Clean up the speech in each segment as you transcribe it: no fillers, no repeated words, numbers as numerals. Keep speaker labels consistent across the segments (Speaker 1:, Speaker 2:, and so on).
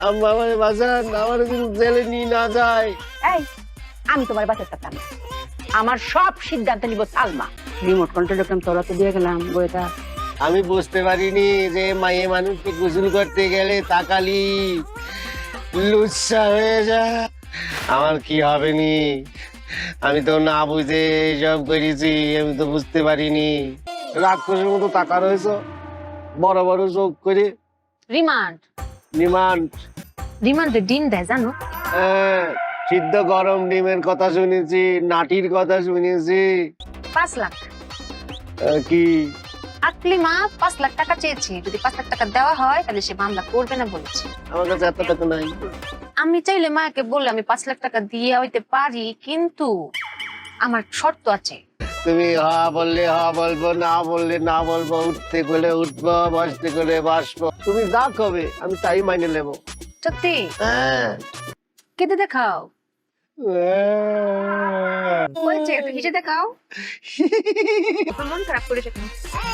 Speaker 1: আম্মা আমারে বাঁচান, আমার কিন্তু জেলে নিয়ে না যায়।
Speaker 2: এই আমি তোমার বাঁচাতে পারতাম না। আমার সব সিদ্ধান্ত নিব সালমা। রিমোট কন্ট্রোল তোরা তো দিয়ে গেলাম বইটা।
Speaker 1: আমি বুঝতে পারিনি যে মায়ে মানুষকে গোসল করতে গেলে তাকালি লুচ্ছা হয়ে যায়। আমার কি হবে নি, আমি তো না বুঝে সব করেছি, আমি তো বুঝতে পারিনি। রাক্ষসের মতো টাকা রয়েছে, বড় বড় চোখ করে।
Speaker 2: Remand
Speaker 1: remand?
Speaker 2: রিমান্ডে ডিম দেয় জানো?
Speaker 1: হ্যাঁ, সিদ্ধ গরম ডিমের কথা শুনেছি, নাটির কথা শুনেছি।
Speaker 2: 5 লাখ।
Speaker 1: কি
Speaker 2: আকলিমা 5 লাখ টাকা চেয়েছি, যদি 5 লাখ টাকা দেওয়া হয় তাহলে সে মামলা করবে না বলেছে।
Speaker 1: আমার কাছে এত টাকা নাই।
Speaker 2: আমি চাইলে মাকে বললে আমি 5 লাখ টাকা দিয়ে হইতে পারি, কিন্তু আমার শর্ত আছে।
Speaker 1: তুমি হা বললে হা বলবো, না বললে না বলবো, উঠতে গেলে উঠবো, বসতে গেলে বসবো। তুমি যা কবে আমি তাই মাইনে নেবো।
Speaker 2: সত্যি?
Speaker 1: হ্যাঁ।
Speaker 2: কেটে দেখাও। হয়েছে, একটু হেসে দেখাও। মন খারাপ করেছে কেন?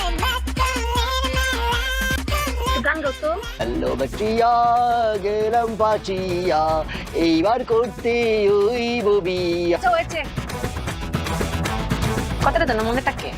Speaker 2: গান গাও তো।
Speaker 1: হ্যালো বাচিয়া গেলাম পাচিয়া, এইবার করতে ওই ববিয়া।
Speaker 2: আচ্ছা হয়েছে, কথাটা জানো মনে থাকে?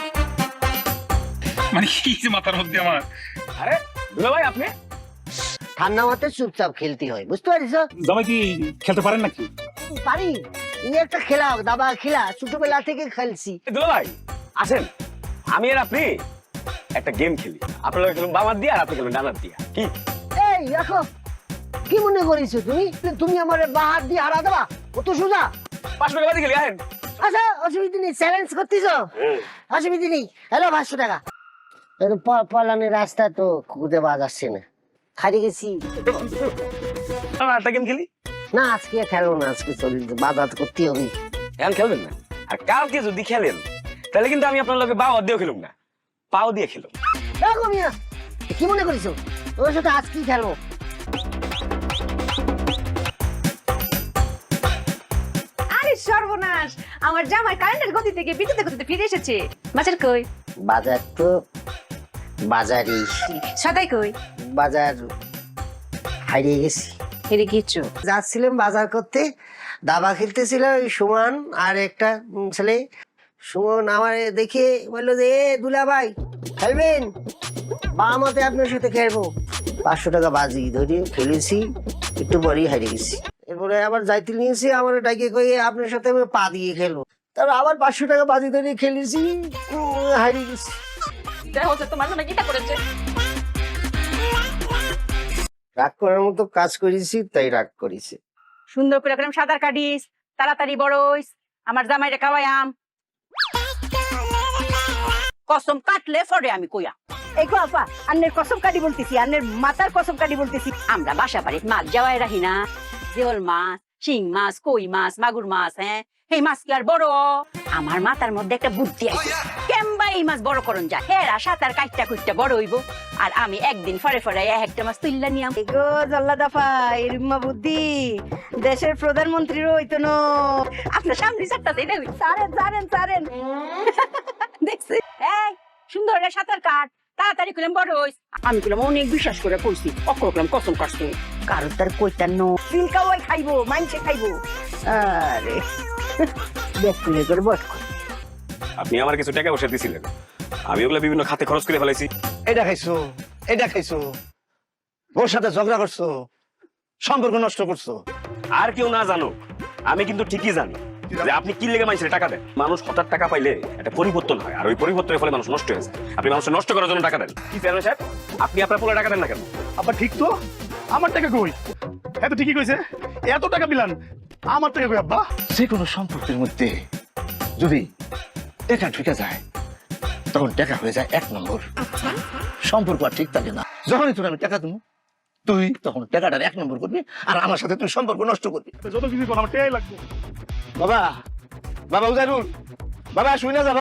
Speaker 3: মানে কি যে মাথার মধ্যে আমার। আরে দুলা ভাই আপনি
Speaker 1: ঠান্ডা মাথায় চুপচাপ খেলতে হয়, বুঝতে পারিস?
Speaker 3: জামাই কি খেলতে পারেন নাকি?
Speaker 1: পারি, এই একটা খেলা, দাবা খেলা, ছোটবেলা থেকে খেলছি।
Speaker 3: দুলা ভাই আসেন, আমি আর আপনি একটা গেম খেলি। আপনারা খেলুন বামার দিয়ে আর আপনি খেলুন ডানার দিয়া। কি
Speaker 1: এই দেখো, কি মনে করিস তুমি? তুমি আমার বাহার দিয়ে হারা দেবা? কত সোজা।
Speaker 3: 500 টাকা বাজি খেলি, আহেন।
Speaker 1: আচ্ছা, অসুবিধা নেই, চ্যালেঞ্জ করতেছ, অসুবিধা নেই। হ্যালো 500 টাকা। পলানের রাস্তা তো খুঁজে পাওয়া যাচ্ছে না, হারিয়ে গেছি।
Speaker 3: একটা গেম খেলি।
Speaker 1: না আজকে খেলবো না, আজকে চলছে, বাজার করতে হবে।
Speaker 3: এখন খেলবেন না, আর কালকে যদি খেলেন তাহলে কিন্তু আমি আপনার লগে বাও দিয়েও খেলুম না, পাও দিয়ে খেলুম।
Speaker 1: দেখো মিয়া, কি মনে করিস ওর সাথে আজকেই খেলবো?
Speaker 2: আরে সর্বনাশ, আমার জামাই কারেন্টের গতি থেকে বিদ্যুতের গতিতে ফিরে এসেছে। বাজার কই?
Speaker 1: বাজার তো বাজারই,
Speaker 2: সদাই কই?
Speaker 1: বাজার হারিয়ে গেছি।
Speaker 2: হেরে গিয়েছো?
Speaker 1: যাচ্ছিলাম বাজার করতে, দাবা খেলতেছিল ওই সুমন আর একটা ছেলে। সুমন আমার দেখে বললো যে, এ দুলা ভাই খেলবেন? বামতে আপনার সাথে খেলবো। 500 টাকা বাজি ধরে খেলেছি, একটু পরেই হারিয়ে গেছি। এরপরে আবার যাইতে নিয়েছি, আমার ডাকে কয়ে আপনার সাথে আমি পা দিয়ে খেলবো। তারপর আবার 500 টাকা বাজি ধরে খেলেছি, হারিয়ে গেছি।
Speaker 2: তোমার জন্য কিটা করেছে?
Speaker 1: রাগ করার মতো কাজ করেছি, তাই রাগ করেছি।
Speaker 2: সুন্দর করে একদম সাঁতার কাটিস, তাড়াতাড়ি বড় হইস, আমার জামাইরে খাওয়াইয়াম। কসম কাটলে পরে আমি কইয়া। এই গো আপা, আন্নের কসম কাটি বলতেছি, আন্নের মাথার কসম কাটি বলতেছি। আমরা বাসা বাড়ি মাছ যাওয়াই রাখি না, জিওল মাছ, শিং মাছ, কই মাছ, মাগুর মাছ, হ্যাঁ এই মাছ কি আর বড়? আমার মাথার মধ্যে একটা বুদ্ধি আছে, কেমবা এই মাছ বড় করন যায়। হেরা সাঁতার কাটটা কুটটা বড় হইব, আর আমি একদিন ফরে ফরে একটা মাছ তুললা নিয়াম। গো জল্লা দফা এরুম্মা বুদ্ধি দেশের প্রধানমন্ত্রীর হইতো না। আপনার সামনে চারটা দেই দেবি, সারেন সারেন সারেন। দেখছি এই সুন্দর একটা সাঁতার কাট, তাড়াতাড়ি করলাম বড় হইস। আমি করলাম অনেক বিশ্বাস করে কইছি, অক্ষর করলাম কসম কাটছে। কারোর তার কইতার নো সিলকা ওই খাইবো, মাইনসে খাইবো। আরে দেখলে করে বট।
Speaker 3: আপনি আমার কিছু টাকা বসে দিয়েছিলেন, আমি ওগুলো বিভিন্ন খাতে খরচ করে ফেলাইছি।
Speaker 4: এটা খাইছো, এটা খাইছো, ওর সাথে ঝগড়া করছো, সম্পর্ক নষ্ট করছো।
Speaker 3: আর কেউ না জানো, আমি কিন্তু ঠিকই জানি যে আপনি কি লেগে মানুষের টাকা দেন। মানুষ হঠাৎ টাকা পাইলে একটা পরিবর্তন হয়, আর ওই পরিবর্তনের ফলে মানুষ নষ্ট হয়ে যায়। আপনি মানুষের নষ্ট করার জন্য টাকা দেন। কি চেয়ারম্যান সাহেব, আপনি আপনার পোলা টাকা দেন না কেন?
Speaker 4: আবার ঠিক তো, আমার টাকা কই? এত ঠিকই কইছে, এত টাকা বিলান আমার টাকা কই? আব্বা, যে কোনো সম্পর্কের মধ্যে যদি টাকা ঢুকে যায় তখন টাকা হয়ে যায় 1 নম্বর। সম্পর্ক আর ঠিক থাকে না। যখনই তোর আমি টাকা দেবো, তুই তখন টাকাটার 1 নম্বর করবি, আর আমার সাথে তুই সম্পর্ক নষ্ট করবি। যত কিছু আমার টাকাই লাগবে। বাবা, বাবা উজারুল, বাবা শুই না যা।